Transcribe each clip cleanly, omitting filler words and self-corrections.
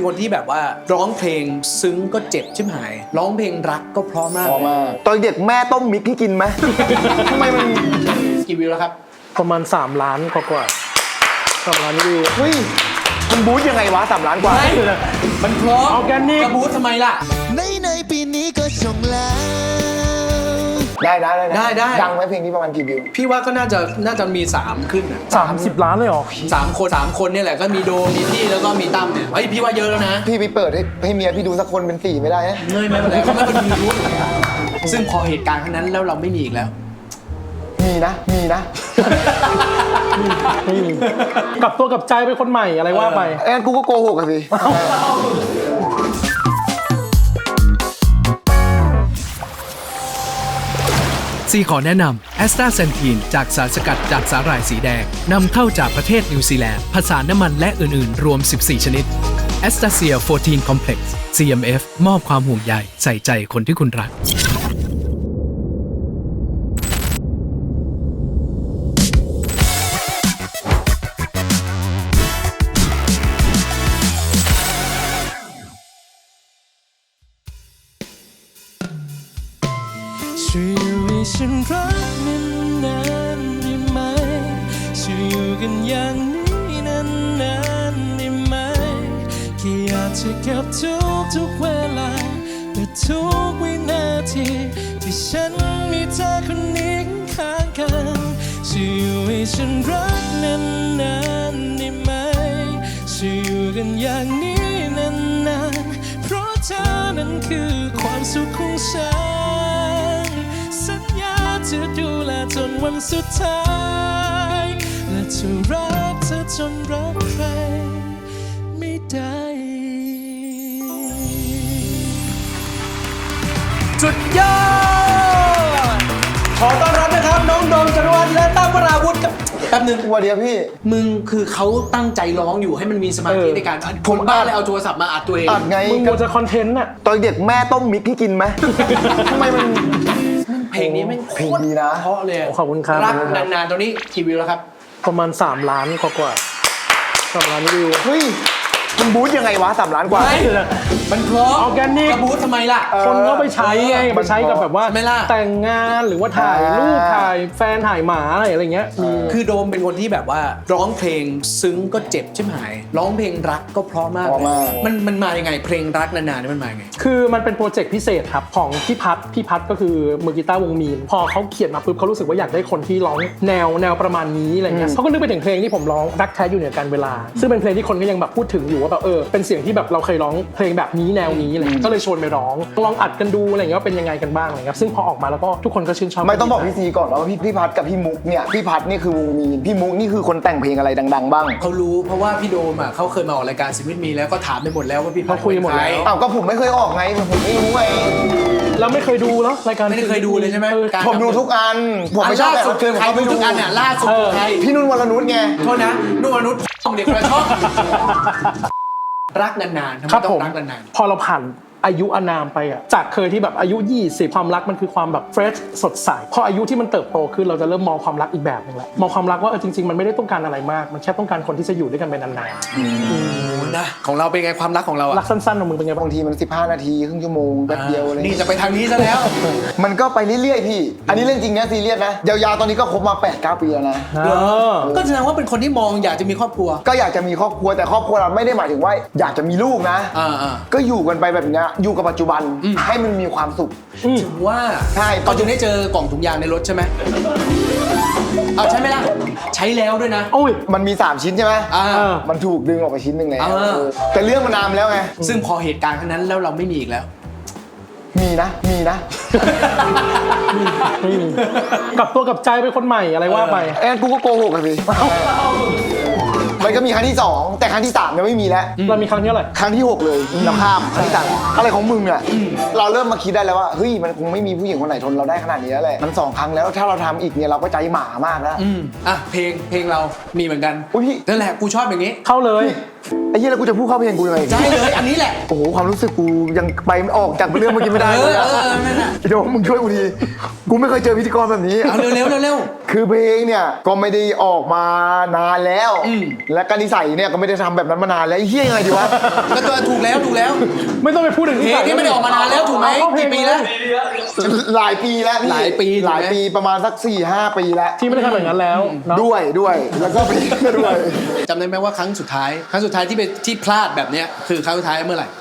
เป็นคนที่แบบว่าร้องเพลงซึ้งก็เจ็บชิบหายร้องเพลงรักก็เพราะมากตอนเด็กแม่ต้มมิกให้กินไหม ทำไมมันกี่วิวแล้วครับประมาณ3 ล้านกว่า3 ล้านวิวเฮ้ยมันบู๊ยังไงวะ3 ล้านกว่ามันเพราะออร์แกนิกจะบู๊ทำไมล่ะในปีนี้ก็ชงแล้วได้ดังไหมเพลงนี้ประมาณกี่วิวพี่ว่าก็น่าจะมี3ขึ้น 30 ล้านเลยเหรอ 3 คนเนี่ยแหละก็มีโดมีพี่แล้วก็มีตั้มเนี่ยเฮ้ยพี่ว่าเยอะแล้วนะพี่ไปเปิดให้เมียพี่ดูสักคนเป็น4ไม่ได้นะไม่เป็นไรเขาไม่เป็นมีรู้ซึ่งพอเหตุการณ์ครั้งนั้นแล้วเราไม่มีอีกแล้วมีนะกลับตัวกลับใจเป็นคนใหม่อะไรว่าไปกูก็โกหกอะสิซีขอแนะนำแอสตาเซนทีนจากสารสกัดจากสาหร่ายสีแดงนำเข้าจากประเทศนิวซีแลนด์ผสานน้ำมันและอื่นๆรวม14ชนิดแอสตาเซีย14 Complex CMF มอบความห่วงใยใส่ใจคนที่คุณรักช่วยอยู่ให้ฉันรักนานๆได้ไหมช่วยอยู่กันอย่างนี้นานๆได้ไหมแค่อยากจะเก็บทุกเวลาและทุกวินาทีที่ฉันมีเธอคนนี้ข้างกันช่วยอยู่ให้ฉันรักนานๆได้ไหมช่วยอยู่กันอย่างนี้นานๆเพราะเธอนั้นคือความสุขของฉันสัญญาจะดูแลจนวันสุดท้ายและจะรักเธอจนรักใครไม่ได้สุดยอดขอต้อนรับนะครับน้องโดมจารวัฒน์และตั้มวราวุธกับแป๊บนึงวันเดียวพี่มึงคือเขาตั้งใจร้องอยู่ให้มันมีสมาธิในการผมบ้าเลยเอาโทรศัพท์มาอัดตัวเองอัดไงมึงควรจะคอนเทนต์น่ะตอนเด็กแม่ต้มมิกให้กินไหม ทำไมมันเพลงนี้ไม่เพลงดีนะเพราะเลยขอบคุณครับรักนานๆตัวนี้กี่วิวแล้วครับประมาณ3 ล้านกว่า3 ล้านวิวเฮ้ยมันบู๊ยังไงวะ3 ล้านกว่ามันเพราะออร์แกนิกจะบู๊ทำไมล่ะคนก็ไปใช้ไงไปใช้กับแบบว่าแต่งงานหรือว่าถ่ายรูปถ่ายแฟนถ่ายหมาอะไรเงี้ยคือโดมเป็นคนที่แบบว่าร้องเพลงซึ้งก็เจ็บชิบหายร้องเพลงรักก็เพราะมากมันมายังไงเพลงรักนานๆนี่มันมายังไงคือมันเป็นโปรเจกต์พิเศษครับของพี่พัดก็คือมือกีตาร์วงมีนพอเขาเขียนมาปุ๊บเขารู้สึกว่าอยากได้คนที่ร้องแนวประมาณนี้อะไรเงี้ยเขาก็นึกไปถึงเพลงที่ผมร้องรักแท้อยู่เหนือการเวลาซึ่งเป็นเพลงที่คนก็ยังแบบพูดถึงอยู่ว่าแบบเป็นเสียงที่แบบเราเคยร้องเพลงแบบนี้แนวนี้อะไรก็เลยชวนไปร้องลองอัดกันดูอะไรเงี้ยว่าเป็นยังไงกันบ้างอะไรเงี้ยซึ่งพอออกมาแล้วก็ทุกคนก็ชื่นชอบไม่ต้องบอกพี่ซีก่อนว่าพี่พัดกับพี่มุกเนี่ยพี่พัดนี่คือวงมีนพี่มุกนี่คือคนแต่งเพลงอะไรดังๆบ้างเขารู้เพราะว่าพี่โดมอ่ะเขาเคยมาออกรายการชีวิตมีแล้วก็ถามไปหมดแล้วว่าพี่พัดคุยหมดแล้วอ้าวก็ผมไม่เคยออกไงผมไม่รู้ไงเราไม่เคยดูเนาะรายการไม่เคยดูเลยใช่ไหมผมดูทุกอันผมไม่ชอบแบบใครดูทุกอันเนี่ยล่าสุดใครพี่นุ่นวรนุชไงโทษนะนุ่นวรนุชเด็กกระชอกรักนานๆทำไมต้องรักนานๆพอเราผ่านอายุอานามไปอ่ะจากเคยที่แบบอายุ20ความรักมันคือความแบบเฟรชสดใสพออายุที่มันเติบโตขึ้นเราจะเริ่มมองความรักอีกแบบนึงแหละมองความรักว่าจริงๆมันไม่ได้ต้องการอะไรมากมันแค่ต้องการคนที่จะอยู่ด้วยกันไปนานๆนะของเราเป็นไงความรักของเราอ่ะรักสั้นๆของมึงเป็นไงบางทีมัน15 นาทีครึ่งชั่วโมงแป๊บเดียวเลยนี่จะไปทางนี้ซะแล้วมันก็ไปเรื่อยๆพี่อันนี้เรื่องจริงนะซีเรียสนะยาวๆตอนนี้ก็คบมา 8-9 ปีแล้วนะก็แสดงว่าเป็นคนที่มองอยากจะมีครอบครัวก็อยากจะมีครอบครัวแต่ครอบครัวเราไม่ได้หมายถึงว่าอยากจะมีลูกนะก็อยู่กันไปแบบนี้อยู่กับปัจจุบันให้มันมีความสุขถือว่าใช่ตอนจึงได้เจอกล่องถุงยางในรถใช่ไหมเอาใช่ไหมล่ะใช้แล้วด้วยนะโอ้ยมันมี3 ชิ้นใช่ไหมมันถูกดึงออกไปชิ้นหนึ่งแล้วแต่เรื่องมันนานแล้วไงซึ่งพอเหตุการณ์ครั้งนั้นแล้วเราไม่มีอีกแล้วมีนะกลับตัวกลับใจเป็นคนใหม่อะไรว่าไปกูก็โกหกอะสิมันก็มีครั้งที่2แต่ครั้งที่3ยังไม่มีแล้วเรามีครั้งที่เท่าไหร่ครั้งที่6เลยเราข้ามครั้งที่3อะไรของมึงอ่ะเราเริ่มมาคิดได้แล้วว่าเฮ้ยมันคงไม่มีผู้หญิงคนไหนทนเราได้ขนาดนี้แล้วแหละมัน2 ครั้งแล้วถ้าเราทำอีกเนี่ยเราก็ใจหมามากแล้วเพลงเรามีเหมือนกันพี่นั่นแหละกูชอบอย่างนี้เข้าเลยไอ้เหี้ยแล้วกูจะพูดเข้าเพลงกูยังไงใช่เลยอันนี้แหละโอ้โหความรู้สึกกูยังไปไม่ออกจากเรื่องเมื่อกี้ไม่ได้เลยอะนั่นน่ะไอ้โดมมึงช่วยกูดีกูไม่เคยเจอพิธีกรแบบนี้เอาเร็วเร็วคือเพลงเนี่ยก็ไม่ได้ออกมานานแล้ว และการนิสัยเนี่ยก็ไม่ได้ทำแบบนั้นมานานแล้วไอ้เหี้ยยังไงดีวะก็ตัวถูกแล้วไม่ต้องไปพูดถึงเพลงนี้ไม่ได้ออกมานานแล้วถูกไหมกี่ปีแล้วหลายปีแล้วพี่หลายปีถูกไหมหลายปีประมาณสัก 4-5 ปีแล้วที่ไม่ได้ทำอย่างนั้นแล้วเนาะด้วยแล้วก็เพลงก็ด้วยจำได้ไหมว่าครั้งสุดท้ายที่พลาดแบบเนี้ยคือครั้งสุดท้ายเมื่อไหร่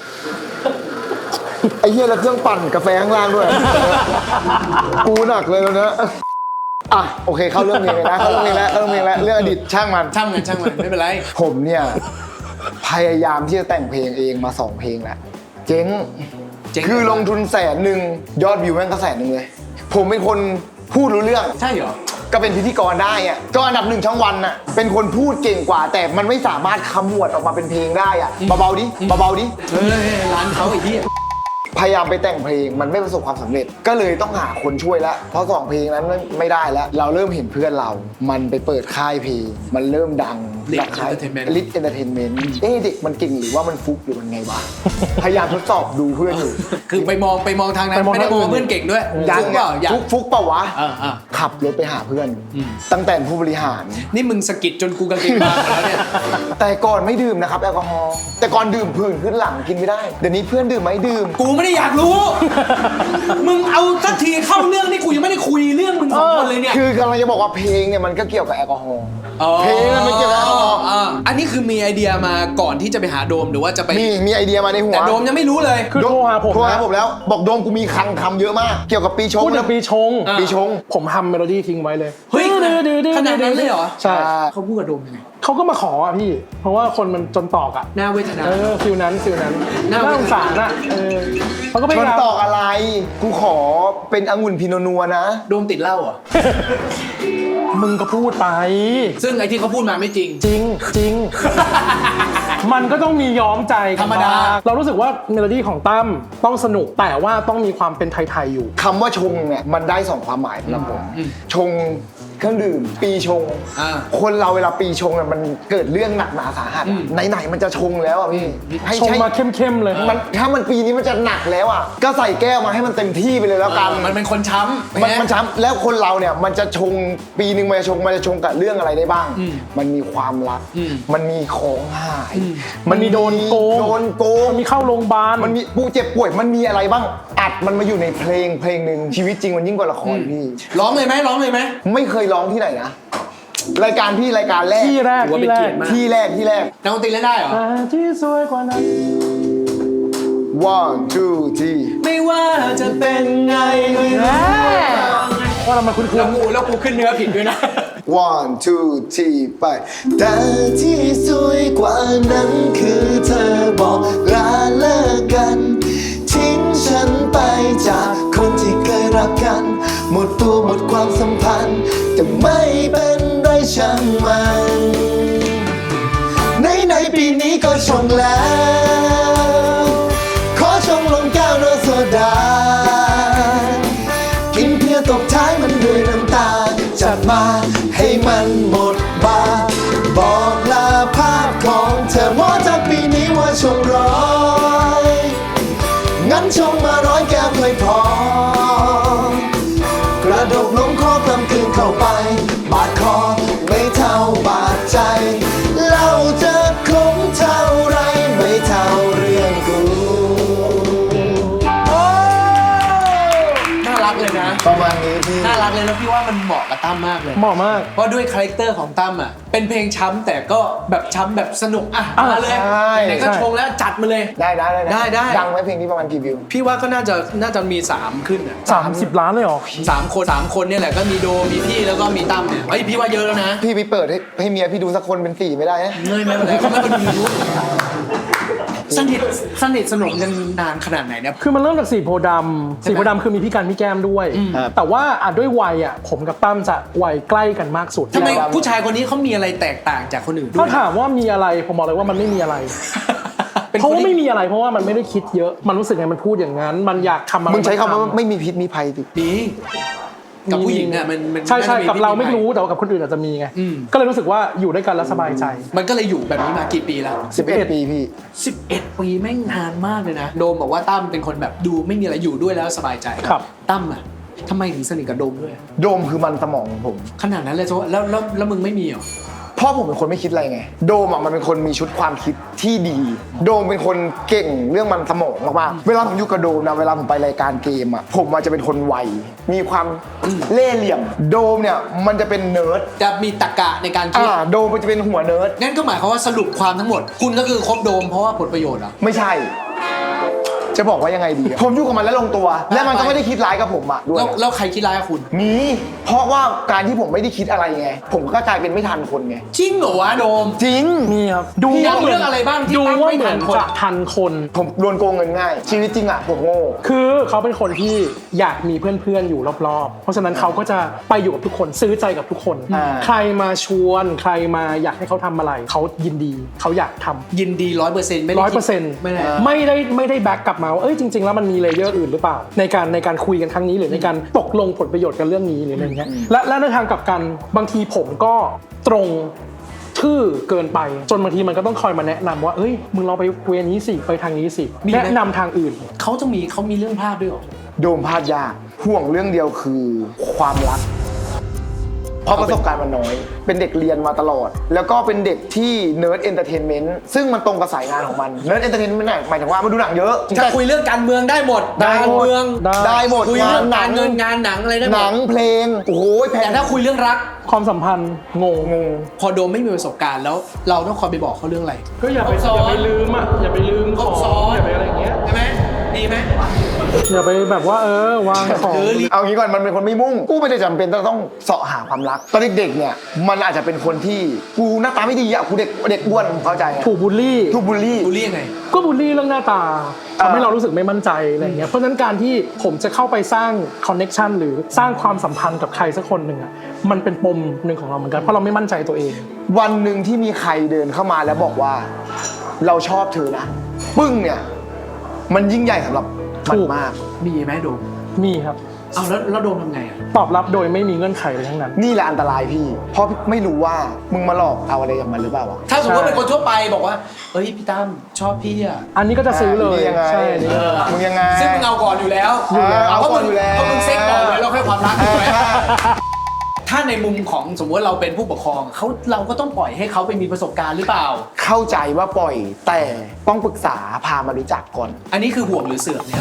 ไอ้เหี้ยแล้วเครื่องปั่นกาแฟข้างล่างด้วย กูหนักเลยแล้วนะอ่ะโอเคเข้าเรื่องเพลงเลยนะเข้าเรื่องเพลงแล้วเรื่องอดีตช่างมันช่างมันไม่เป็นไรผมเนี่ยพยายามที่จะแต่งเพลงเองมา2เพลงแล้วเจ๊งคือลงทุน100,000ยอดวิวแม่งก็100,000เลยผมเป็นคนพูดรู้เรื่องใช่เหรอก็เป็นพิธีกรได้อะก็อันดับ1ช่องวันน่ะเป็นคนพูดเก่งกว่า แต่มันไม่สามารถขมวดออกมาเป็นเพลงได้อะเบาๆดิเฮ้ยร้านเขาไอ้ที่พยายามไปแต่งเพลงมันไม่ประสบความสำเร็จก็เลยต้องหาคนช่วยแล้วเพราะ2เพลงนั้นไม่ได้แล้วเราเริ่มเห็นเพื่อนเรามันไปเปิดค่ายเพลงมันเริ่มดัง Lit ค่าย Entertainment Lit Entertainment เด็กมันเก่งหรือว่ามันฟุกหรือมันไงวะ พยายามทดสอบดูเพื่อนอยู่คือไปมองทางนั้นไม่ได้มองเพื่อนเก่งด้วยยังเปล่าอยากฟุกเปล่าวะอ่าขับรถไปหาเพื่อน ตั้งแต่ผู้บริหารนี่มึงสะกิดจนกูกางเกงบางหมดแล้วเนี่ยแต่ก่อนไม่ดื่มนะครับแอลกอฮอล์แต่ก่อนดื่มผื่นขึ้นหลังกินไม่ได้เดี๋ยวนี้เพื่อนดื่มไหมดื่มกูไม่ได้อยากรู้ มึงเอาสักทีเข้าเรื่องนี่กูยังไม่ได้คุยเรื่องมึงสองคนเลยเนี่ยคือกำลังจะบอกว่าเพลงเนี่ยมันก็เกี่ยวกับแอลกอฮอล์อ๋อเพลงมันเกี่ยวกับแอลกอฮอล์อันนี้คือมีไอเดียมาก่อนที่จะไปหาโดมหรือว่าจะไปมีไอเดียมาในหัวแต่โดมยังไม่รู้เลยคือโทรหาผมโทรหานะผมแล้วบอกโดมกูมีคลังคำเยอะมาก เกี่ยวกับปีชงพูดถึงปีชงปีชงผมทำเมโลดี้ทิ้งไว้เลยเฮ้ยขนาดนั้นเลยเหรอใช่เขาพูดกับโดมยังไงเขาก็มาขออ่ะพี่ เพราะว่าคนมันจนตอกอ่ะหน้าเวทนาฟิลนั้นน่าน่าสงสารอ่ะเขาก็พชยาน ยามตอกอะไร กูขอเป็นองุ่นพิโนนัวนะโดมติดเหล้าเหรอมึงก็พูดไปซึ่งไอที่เขาพูดมาไม่จริงจริง มันก็ต้องมีย้อมใจกันธรรมดาบ้งเรารู้สึกว่าเมโลดี้ของตั้มต้องสนุกแต่ว่าต้องมีความเป็นไทยๆอยู่คำว่าชงเนี่ยมันได้2ความหมายสำหรับผมชงเครื่องดื่ม ปีชง คนเราเวลาปีชงเนี่ยมันเกิดเรื่องหนักหนาสาหัสไหนๆมันจะชงแล้วอ่ะพี่ให้ชงใช้มาเข้มๆเลยมันถ้ามันปีนี้มันจะหนักแล้วอ่ะก็ใส่แก้วมาให้มันเต็มที่ไปเลยแล้วกันมันเป็นคนช้ำมันช้ำแล้วคนเราเนี่ยมันจะชงปีหนึ่งมันจะชงกับเรื่องอะไรได้บ้าง มันมีความรัก มันมีของหายมันมีโดนโกงมันมีเข้าโรงพยาบาลมันมีปูเจ็บป่วยมันมีอะไรบ้างอัดมันมาอยู่ในเพลงหนึ่งชีวิตจริงมันยิ่งกว่าละครพี่ร้องเลยไหมไม่เคยร้องที่ไหนนะรายการพี่รายการแรกที่แรกถือว่าเป็นเกียรติมากที่แรกนักดนตรีเล่นได้เหรอแต่ที่สวยกว่านั้น 1 2 3 ไม่ว่าจะเป็นไงไม่รู้ว่าเรามาคุ้นแล้วกูขึ้นเนื้อผิดด้วยนะ 1 2 3ไปแต่ที่สวยกว่านั้นคือเธอบอกลาเลิกกันทิ้งฉันไปจากคนที่เคยรักกันหมดตัวหมดความสัมพันธ์แต่ไม่เป็นไรช่างมันในปีนี้ก็ชงแล้วขอชงลงแก้วโรสโซดากินเพียตบท้ายมันด้วยน้ำตาจัดมาให้มันหมดบาบอกลาภาพของเธอว่าจากปีนี้ว่าชงงั้นชงมา100 แก้วเคยพอกระดกนมขอกลำกลืนเข้าไปบาดคอไม่เท่าบาดใจเหล้าจะคมเท่าไรไม่เท่าเรื่องกูน่ารักเลยนะประมาณนี้พี่น่ารักเลยแล้วพี่ว่ามันเหมาะกับตั้มมากเลยเหมาะมากเพราะด้วยคาแรคเตอร์ของตั้มอ่ะ เป็นเพลงช้ำแต่ก็แบบช้ำแบบสนุกอ่ะมาเลยใช่ไหนๆก็ชงแล้วจัดมาเลยได้ได้ดังไหมเพลงนี้ประมาณกี่วิวพี่ว่าก็น่าจะมี 3 ขึ้นอ่ะ 30 ล้านเลยเหรอ 3 คนเนี่ยแหละก็มีโดมีพี่แล้วก็มีตั้มเนี่ยเฮ้ยพี่ว่าเยอะแล้วนะพี่ไปเปิดให้เมียพี่ดูสักคนเป็น4ไม่ได้นะเงยไม่เป็นไรเขาไม่เป็นยูทูบสนิทสนมกันนานขนาดไหนเนี่ยคือมันเริ่มจากสีโพธิ์ดำสีโพธิ์ดำคือมีพี่กันพี่แก้มด้วย แต่ว่าด้วยวัยผมกับตั้มจะวัยใกล้กันมากสุดทำไมผู้ชายคนนี้เขามีอะไรแตกต่างจากคนอื่นด้ถ้าวยถามว่ามีอะไรผมบอกเลยว่ามันไม่มีอะไรเป็นเพราะคนว่าที่ไม่มีอะไรเพราะว่ามันไม่ได้คิดเยอะ มันรู้สึกไงมันพูดอย่างนั้น มันอยากทำอะไรมึงใช้คำว่าทำไม่มีพิษมีภัยดิดีกับผู้หญิงเนี่ยมันใช่น่าจะมีกับเราไม่วิธีรู้แต่ว่ากับคนอื่นอาจจะมีไงอืมก็เลยรู้สึกว่าอยู่ด้วยกันแล้วสบายใจมันก็เลยอยู่แบบนี้มากี่ปีแล้ว 11 ปีพี่ 11 ปีแม่งนานมากเลยนะโดมบอกว่าตั้มเป็นคนแบบดูไม่มีอะไรอยู่ด้วยแล้วสบายใจครับตั้มอะทำไมถึงสนิทกับโดมด้วยโดมคือมันสมองของผมขนาดนั้นเลยจ้ะแล้วมึงไม่มีเหรอพ่อผมเป็นคนไม่คิดอะไรไง โดมอ่ะมันเป็นคนมีชุดความคิดที่ดี โดมเป็นคนเก่งเรื่องมันสมองมากๆเวลาผมอยู่กับโดมนะเวลาผมไปรายการเกมอ่ะผมอาจจะเป็นคนไวมีความเล่ห์เหลี่ยมโดมเนี่ยมันจะเป็นเนิร์ดจะมีตรรกะในการคิดโดมมันจะเป็นหัวเนิร์ดงั้นก็หมายความว่าสรุปความทั้งหมด คุณก็คือคบโดมเพราะว่าผลประโยชน์เหรอไม่ใช่ จะบอกว่ายังไงดีอะผมอยู่กับมันแล้วลงตัว และมันก็ไม่ได้คิดร้ายกับผมอ่ะด้วยแล้วใครคิดร้ายกับคุณมีเพราะว่าการที่ผมไม่ได้คิดอะไรไงผมก็กลายเป็นไม่ทันคนไงจริงเหรอวะโดมจริงมีครับดูพี่ว่าเรื่องอะไรบ้างที่ดูตั้งว่าไม่เหมืทัอนนคนจะทันคนผมโดนโกงเงินง่าย ชีวิตจริงอ่ะผมโง่คือเขาเป็นคนที่อยากมีเพื่อนๆอยู่รอบๆ เพราะฉะนั้นเขาก็จะไปอยู่กับทุกคนซื้อใจกับทุกคน ใครมาชวนใครมาอยากให้เขาทำอะไรเขายินดีเขาอยากทำยินดี100%ไม่ได้คิด 100% ไม่ได้ไม่ได้แบ็กกลับมาว่าเอ้ยจริงๆแล้วมันมีเลเยอร์อื่นหรือเปล่าในการคุยกันครั้งนี้หรือในการตกลงผลประโยชน์กันเรื่องนี้หรืออะไรเงี้ยและในทางกลับกันบางทีผมก็ตรงชื่อเกินไปจนบางทีมันก็ต้องคอยมาแนะนำว่าเอ้ยมึงลองไปเวนี้สิไปทางนี้สิแนะนำทางอื่นเขามีเรื่องพลาดด้วยเหรอโดมพลาดยากห่วงเรื่องเดียวคือความรักเพราะประสบการณ์มันน้อย เป็นเด็กเรียนมาตลอด แล้วก็เป็นเด็กที่เนิร์ดเอนเตอร์เทนเมนต์ซึ่งมันตรงกับสายงานของมันเนิร์ดเอนเตอร์เทนเมนต์หมายถึงว่ามันดูหนังเยอะถ้าคุยเรื่องการเมืองได้หมดได้หมดการเมืองได้หมดคุยงาเรื่นองหนัการงเงินงานหนังอะไรได้หมหนัดงเพลงโอ้โหแพงแต่ถ้าคุยเรื่องรักความสัมพันธ์งงพอโดมไม่มีประสบการณ์แล้วเราต้องคอยไปบอกเขาเรื่องอะไรก็อย่าไปลืมอ่ะอย่าไปลืมของอย่าไปอะไรอย่างเงี้ยใช่ไหมดีไหมอย่าไปแบบว่าวางของเอางี้ก่อนมันเป็นคนไม่มุ่งกูไม่ได้จำเป็นต้องเสาะหาความรักตอนเด็กๆเนี่ยมันอาจจะเป็นคนที่กูหน้าตาไม่ดีอ่ะกูเด็กอ้วนเข้าใจไงถูกบูลลี่ถูกบูลลี่บูลลี่ยังไงก็บูลลี่เรื่องหน้าตาทำให้เรารู้สึกไม่มั่นใจอะไรอย่างเงี้ยเพราะฉะนั้นการที่ผมจะเข้าไปสร้างคอนเน็กชันหรือสร้างความสัมพันธ์กับใครสักคนหนึ่งอ่ะมันเป็นปมหนึ่งของเราเหมือนกันเพราะเราไม่มั่นใจตัวเองวันหนึ่งที่มีใครเดินเข้ามาแล้วบอกว่า เราชอบเธอนะปึ้งเนี่ยมันยิ่งใหญ่สำหรับมันมากมีไหมโดมมีครับเอาแล้วโดมทำไงอ่ะตอบรับโดยไม่มีเงื่อนไขเลยทั้งนั้นนี่แหละอันตรายพี่ เพราะไม่รู้ว่ามึงมาหลอกเอาอะไรจากมันหรือเปล่าวะถ้าสมมติว่าเป็นคนทั่วไปบอกว่าเฮ้ยพี่ตั้มชอบพี่อ่ะอันนี้ก็จะซื้อเลยนี่ยังไงใช่นี่มึงยังไงซึ่งมึงเอาก่อนอยู่แล้วเอาก่อนอยู่แล้วเพราะมึงเซ็กก่อนอยู่แล้วเราค่อยความรักถูกไหมถ้าในมุมของสมมติว่าเราเป็นผู้ปกครองเราก็ต้องปล่อยให้เขาไปมีประสบการณ์หรือเปล่าเข้าใจว่าปล่อยแต่ต้องปรึกษาพามารู้จักก่อนอันนี้คือห่วงหรือเสือกเนี่ย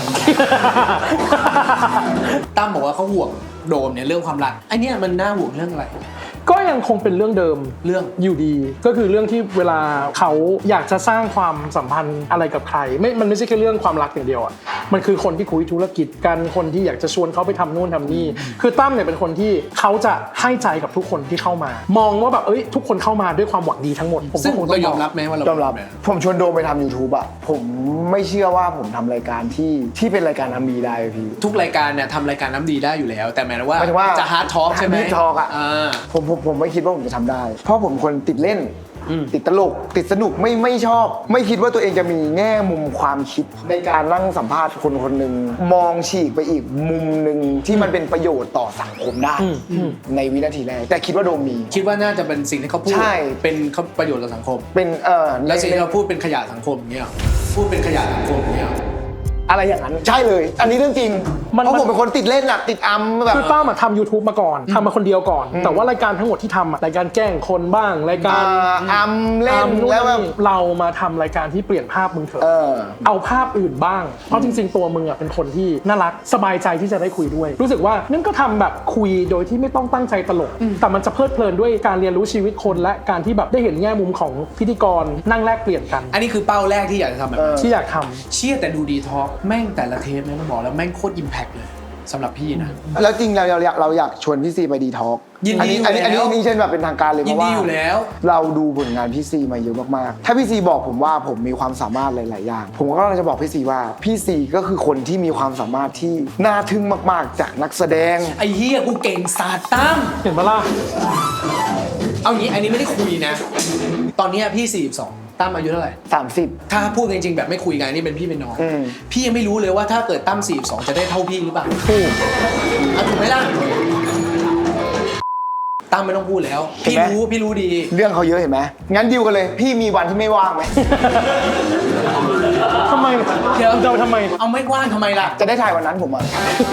ตั้มบอกว่าเขาห่วงโดมเนี่ยเรื่องความรักไอเนี่ยมันน่าห่วงเรื่องอะไรก็ยังคงเป็นเรื่องเดิมเรื่องอยู่ดีก็คือเรื่องที่เวลาเขาอยากจะสร้างความสัมพันธ์อะไรกับใครมันไม่ใช่แค่เรื่องความรักอย่างเดียวอ่ะมันคือคนที่คุยธุรกิจกันคนที่อยากจะชวนเขาไปทำนู่นทำนี่คือตั้มเนี่ยเป็นคนที่เขาจะให้ใจกับทุกคนที่เข้ามา มองว่าแบบทุกคนเข้ามาด้วยความหวังดีทั้งหมดผมซึ่งก็คงต้เราองยอมรับไหมว่าเรายอมรับผมชวนโดมไปทำ YouTube อะผมไม่เชื่อว่าผมทำรายการที่เป็นรายการทำดีได้พี่ทุกรายการเนี่ยทำรายการน้ำดีได้อยู่แล้ว แต่หมายถึงว่าหมายถึงว่าจะฮาร์ดทอล์กใช่ไหม Deep Talk อะ ผมไม่คิดว่าผมจะทำได้ เพราะผมคนติดเล่น ติดตลกติดสนุกไม่ชอบ ไม่คิดว่าตัวเองจะมีแง่มุมความคิดในการนั่งสัมภาษณ์คนคนหนึ่งมองฉีกไปอีกมุมหนึ่งที่มันเป็นประโยชน์ต่อสังคมได้ในวินาทีแรกแต่คิดว่าโดมมีคิดว่าน่าจะเป็นสิ่งที่เขาพูดใช่เป็นประโยชน์ต่อสังคมเป็นแล้วสิ่งที่เราพูดเป็นขยะสังคมเนี่ยพูดเป็นขยะสังคมเนี่ยอะไรอย่างนั้นใช่เลย อันนี้เรื่องจริงเพราะผมเป็นคนติดเล่นอะติดอัมแบบคือตั้มทำ YouTube มาก่อนทำมาคนเดียวก่อน แต่ว่ารายการทั้งหมดที่ทำรายการแกล้งคนบ้างรายการอัมเล่นนู่นแล้วแบบนี่เรามาทำรายการที่เปลี่ยนภาพมึงเถอะ เอาภาพอื่นบ้าง เพราะจริงๆตัวมึงเป็นคนที่น่ารักสบายใจที่จะได้คุยด้วย รู้สึกว่านั่นก็ทำแบบคุยโดยที่ไม่ต้องตั้งใจตลก แต่มันจะเพลิดเพลินด้วยการเรียนรู้ชีวิตคนและการที่แบบได้เห็นแง่มุมของพิธีกรนั่งแลกเปลี่ยนกันอันนี้คือเป้าแรกที่อยากจะทำแบบนั้นที่อยากทำเชี่ยแต่ดูดีทอล์กแม่งแต่ละเทปเนี่ยต้องบอกแล้วแม่งโคตรอิมแพคเลยสำหรับพี่นะแล้วจริงเราอยากชวนพี่ซีไปดีท็อกยินดีอันนี้อยู่แล้วเช่นแบบเป็นทางการเลยยินเพราะดีว่าอยู่แล้วเราดูผลงานพี่ซีมาเยอะมากๆถ้าพี่ซีบอกผมว่าผมมีความสามารถหลายๆอย่างผมก็จะบอกพี่ซีว่าพี่ซีก็คือคนที่มีความสามารถที่น่าทึ่งมากๆจากนักแสดงไอ้เฮียกูเก่งศาสตร์ตั้มเห็นปะล่ะเอางี้อันนี้ไม่ได้คุยนะ ตอนเนี้ยพี่42ตั้มอายุเท่าไหร่ 30 ถ้าพูดจริงๆแบบไม่คุยกันนี่เป็นพี่เป็นน้องอืมพี่ยังไม่รู้เลยว่าถ้าเกิดตั้ม42จะได้เท่าพี่หรือเปล่าถูกถูกไหมล่ะตั้มไม่ต้องพูดแล้วเห็นไหมพี่รู้ดีเรื่องเขาเยอะเห็นไหมงั้นดิวกันเลย พี่มีวันที่ไม่ว่างไหมทำไมเดี๋ยวจะทำไมเอาไม่ว่างทำไมล่ะจะได้ถ่ายวันนั้นผมอ่ะ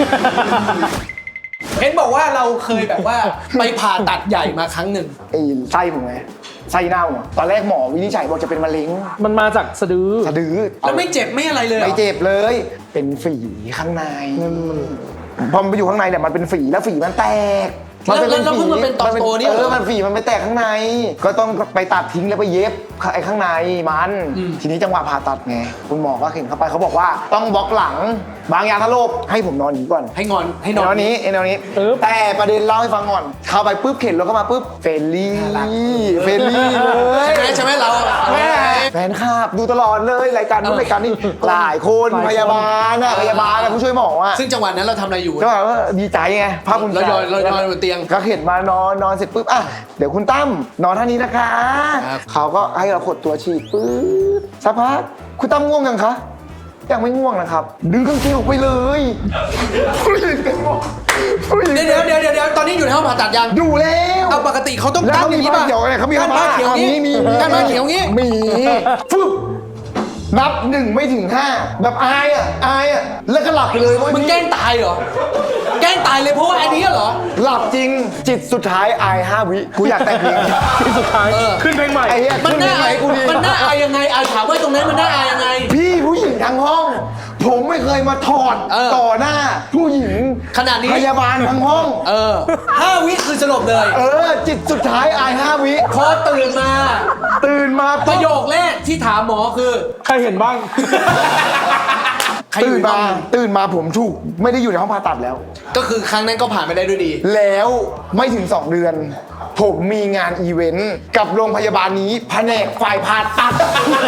เห็นบอกว่าเราเคยแบบว่าไปผ่าตัดใหญ่มาครั้งหนึ่งไอ้ไส้ผมไงไส้เน่าอะตอนแรกหมอวินิจฉัยบอกจะเป็นมะเร็งมันมาจากสะดือสะดือแล้วไม่เจ็บไม่อะไรเลยหรอไม่เจ็บเลย เป็นฝีข้างในพอมันไปอยู่ข้างในเนี่ยมันเป็นฝีแล้วฝีมันแตกแล้วเพิ่งมาเป็นตอนโตนี่เหรอมันฝีมันไปแตกข้างใน ก็ต้องไปตัดทิ้งแล้วไปเย็บไอ้ข้างในมันทีนี้จังหวะผ่าตัดไงคุณหมอก็เห็นเข้าไปเขาบอกว่าต้องบล็อกหลังบางยาทะโลบให้ผมนอนอย่างนี้ก่อนให้นอนไอ้นอนนี้ไอ้นอนนี้ปึ๊บแต่ประเด็นเล่าให้ฟังก่อนเข้าไปปุ๊บเข็นรถเข้ามาปุ๊บเฟรนลี่เฟรนลี่เลยใช่ไหมเราแม่แฟนคลับดูตลอดเลยรายการนู้นรายการนี้หลายคนพยาบาลอะผู้ช่วยหมออะซึ่งจังหวะนั้นเราทำอะไรอยู่ก็แบบว่าดีใจไงภาคภูมิใจเรานอนบนเตียงก็เห็นมานอนเสร็จปุ๊บอ่ะเดี๋ยวคุณตั้มนอนท่านี้นะคะครับเขาก็ให้เราขดตัวฉีดปุ๊บสักพักคุณตั้มง่วงยังคะยังไม่ง่วงนะครับดึงกางเกงออกไปเลยผู้หญิงเป็นง่วงผู้หญิงเดี๋ยวตอนนี้อยู่ในห้องผ่าตัดยังอยู่แล้วเอาปกติเขาต้องแล้วกั้นเขาอมีย่างนี้ผ้าป่ะเขียวไงเขามีกั้นผ้าเขียวนี้มีกั้นผ้าเขียวงี้มีฟึบนับ1ไม่ถึง5แบบอายอ่ะแล้วก็หลับไปเลยเว้ยมึงแกล้งตายเหรอ แกล้งตายเลยเพราะว่าอันนี้เหรอหลับจริงจิตสุดท้ายอาย5 วิกูอยากแต่งเพลงที่สุดท้าย ขึ้นเพลงใหม่ไอ้เหี้ยมันน่าขึ้อายเพลงกูดีมันน่าอายยังไงถามว่าตรงนั้นมันน่าอายยังไงพี่ผู้หญิงทั้งห้อง ผมไม่เคยมาถอดเออต่อหน้า ผู้หญิงขนาดนี้พยาบาลทั้งห้อง 5 วิคือสลบเลยจิตสุดท้ายอาย5 วิพอตื่นมาตื่นมาปปุ๊ระบโยคแรกที่ถามหมอคือใครเห็นบ้างใครอยู่ตื่นมาผมถูกไม่ได้อยู่ในห้องผ่าตัดแล้วก็คือครั้งนั้นก็ผ่านไปได้ด้วยดีแล้วไม่ถึง 2 เดือน ผมมีงานอีเวนต์กับโรงพยาบาลนี้แผนกฝ่ายผ่าตัด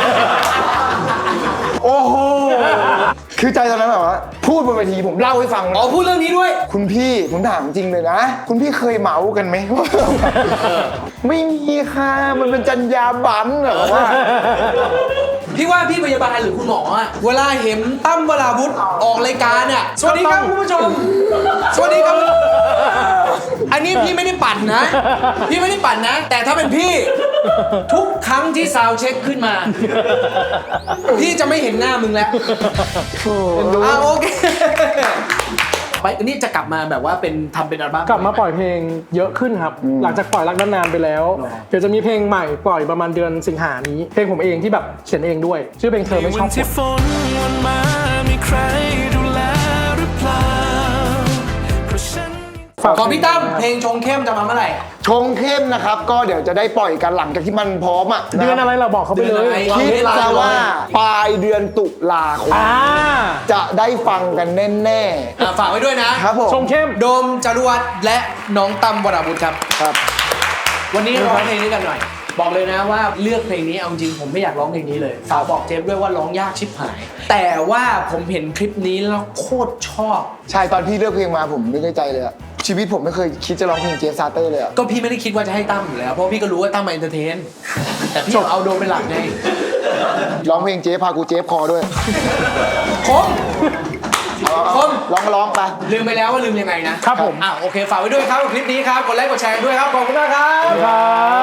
โอ้โห คือใจตอนนั้นแบบว่าพูดบนเวทีผมเล่าให้ฟังอ๋อพูดเรื่องนี้ด้วยคุณพี่ผมถามจริงเลยนะ คุณพี่เคยเมากันไหม ไม่มีค่ะมันเป็นจรรยาบรรณเหรอว่าพี่ว่าพี่พยาบาลหรือคุณหมออะเวลาเห็นตั้มวราวุธออกรายการเนี่ยสวัสดีครับคุณผู้ชม สวัสดีครับ อันนี้พี่ไม่ได้ปั่นนะ พี่ไม่ได้ปั่นนะ แต่ถ้าเป็นพี่ ทุกครั้งที่ซาวด์เช็คขึ้นมา พี่จะไม่เห็นหน้ามึงแล้วโอเคไปอันนี้จะกลับมาแบบว่าเป็นทำเป็นอัลบั้มกลับมาปล่อยเพลงเยอะขึ้นครับ หลังจากปล่อยรักนานๆไปแล้ว เดี๋ยวจะมีเพลงใหม่ปล่อยประมาณเดือนสิงหานี้ เพลงผมเองที่แบบเขียนเองด้วย ชื่อเพลงเธอไม่ชอบที่ฝนวันมามีใครดูแลหรือเปล่าเพราะฉันฝากของพี่ตั้มเพลงชงเข้มจะมาเมื่อไหร่ชงเข้มนะครับ ก็เดี๋ยวจะได้ปล่อยกันหลังจากที่มันพร้อมอ่ะเดือนอะไรเราบอกเขาไปเลเดือนอะไรยคิดซะว่าปลายเดือนตุลาคม จะได้ฟังกันแน่ฝากไว้ด้วยนะๆครับผมชงเข้มโดมจารวัตรและน้องตั้มวราวุธครับครับวันนี้ร้องเพลงนี้กันหน่อย บอกเลยนะว่าเลือกเพลงนี้เอาจริงผมไม่อยากร้องเพลงนี้เลยสาวบอกเจฟด้วยว่าร้องยากชิบหาย แต่ว่าผมเห็นคลิปนี้แล้วโคตรชอบใช่ตอนพี่เลือกเพลงมาผมนึกในใจเลยอะชีวิตผมไม่เคยคิดจะร้องเพลงเจฟซาเตอร์เลยอะก็พี่ไม่ได้คิดว่าจะให้ตั้มอยู่แล้วเพราะพี่ก็รู้ว่าตั้มมาเอนเตอร์เทน แต่พี่เอาโดมเป็นหลักไงร้องเพลงเจฟพากูเจฟคอด้วยคม คมร้องไปลืมไปแล้วว่าลืมยังไงนะครับผมโอเคฝากไว้ด้วยครับกับคลิปนี้ครับกดไลค์กดแชร์ด้วยครับขอบคุณมากครับครับ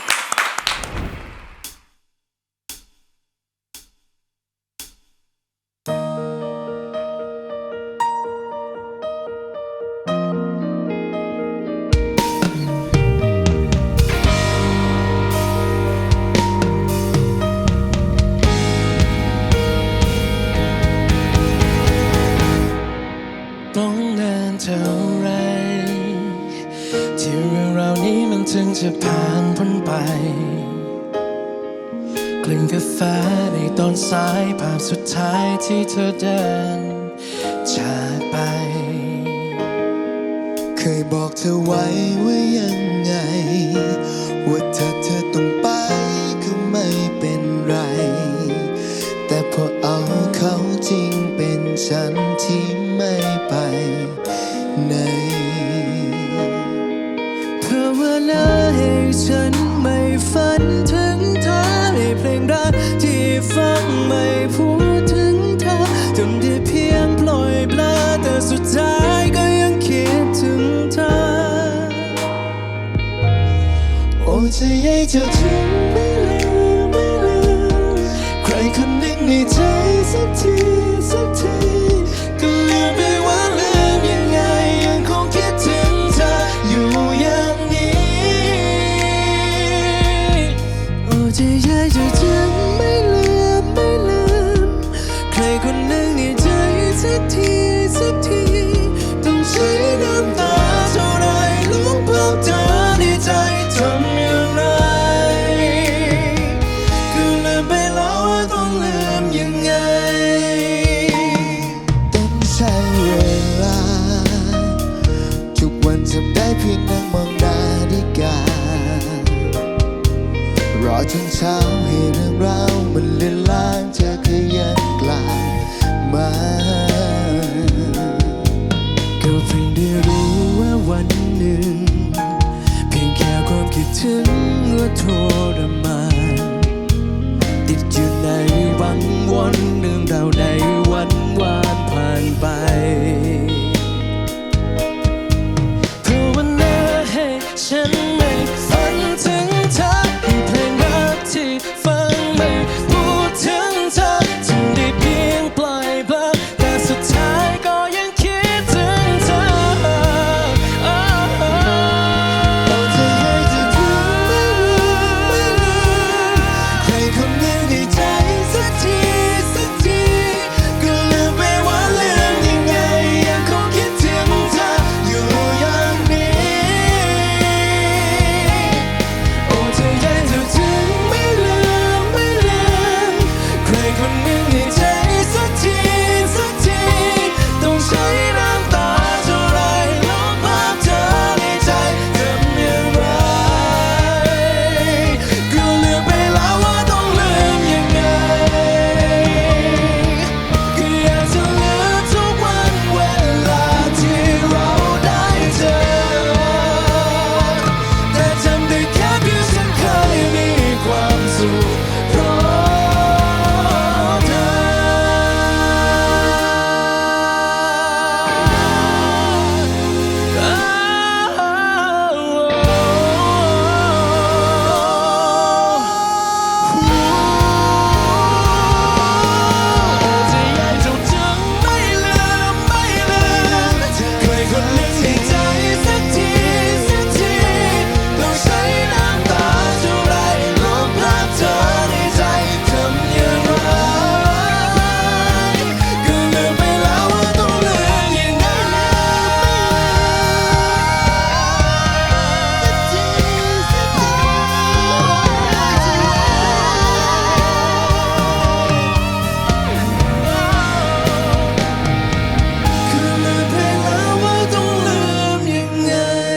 ต้องนานเท่าไร ที่เรื่องราวนี้มันถึงจะผ่านพ้นไป กลิ่นกาแฟในตอนสายภาพสุดท้ายที่เธอเดินจากไปเคยบอกเธอไว้ว่ายังไง ว่าถ้าเธอต้องไปก็ไม่เป็นไร แต่พอเอาเขาจริงเป็นฉันที่ไม่ไปไหนภาวนาให้ฉันไม่ฝันถึงเธอให้เพลงรักที่ฟังไม่พูดถึงเธอจนได้เพียงปล่อยปลาแต่สุดท้ายก็ยังคิดถึงเธอเจ้าถึงไม่ลืมใครคนหนึ่งในใจสักทีก็ลืมไปว่าลืมยังไงยังคงคิดถึงเธออยู่อย่างนี้โอ้ใจใหญ่เจ้าถึงไม่ลืมใครคนหนึ่งในใจสักทีต้องใช้น้ำตาเท่าไรลบภาพเธอในใจทำอย่างไรก็ลืมไปแล้วว่าต้องลืมยังไงต้องใช้เวลาทุกวันทำได้เพียงนั่งมองนาฬิการอจนเช้าให้เรื่องราวมันเลือนลางเธอก็ยังกลับมาก็เพิ่งได้รู้ว่าวันหนึ่งเพียงแค่ความคิดถึงก็ทรมานติดอยู่ในวังวนเรื่องราวในวันวานผ่านไปเพราะวันนั้นให้ฉันไม่ฝันถึงเธอให้เพลงรักที่ฟังไม่พูดถึงเธอจึงได้เพียงปล่อยเบลอแต่สุดท้ายก็ยังคิดถึงเธอเอาใจให้เธอถึงไม่ลืมใครคนหนึ่งในใจสักทีก็ลืมไปว่าลืมยังไงยังคงคิดถึงเธออยู่อย่างนี้โอ้ใจใหญ่เธอถึงไม่ลืมใครคนหนึ่งในใจสักทีต้องใช้น้ำตาเท่าไรลบภาพเธอในใจทำอย่างไรก็ลืมไปแล้วว่าต้องลืมยังไงก็อยากจะลืมทุกวันเวลาที่เราได้เจอแต่จำได้แค่เพียงฉันเคยมีความสุขเพราะเธอใจใหญ่เจ้าจึงไม่ลืมใครคนหนึ่งในใจสักทีต้องใช้น้ำตาเท่าไรลบภาพเธอในใจทำอย่างไรก็ลืมไปแล้วว่าต้องลืมยังไงคือลืมไปแล้วว่าต้องลืมยังไง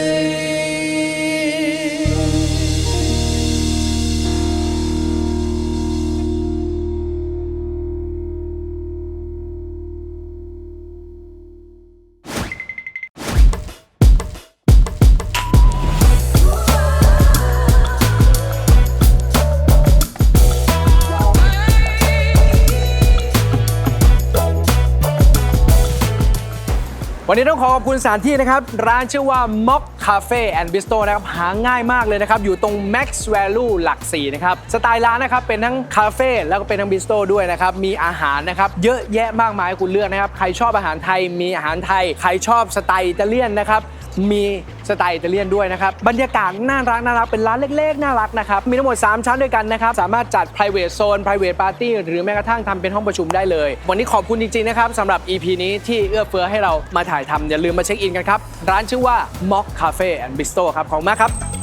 วันนี้ต้องขอขอบคุณสถานที่นะครับ ร้านชื่อว่า Mock Cafe and Bistro นะครับ หาง่ายมากเลยนะครับ อยู่ตรง Max Value หลัก 4 นะครับ สไตล์ร้านนะครับ เป็นทั้งคาเฟ่แล้วก็เป็นทั้งบิสโตรด้วยนะครับ มีอาหารนะครับ เยอะแยะมากมายให้คุณเลือกนะครับ ใครชอบอาหารไทยมีอาหารไทย ใครชอบสไตล์อิตาเลียนนะครับ มีสไตล์อิตาเลียนด้วยนะครับ บรรยากาศน่ารักเป็นร้านเล็กๆน่ารักนะครับ มีทั้งหมด 3 ชั้นด้วยกันนะครับ สามารถจัด private zone private party หรือแม้กระทั่งทำเป็นห้องประชุมได้เลย วันนี้ขอบคุณจริงๆนะครับสำหรับ EP นี้ที่เอื้อเฟื้อให้เรามาถ่ายทำอย่าลืมมาเช็คอินกันครับ ร้านชื่อว่า Mock Cafe and Bistro ครับขอบคุณมากครับ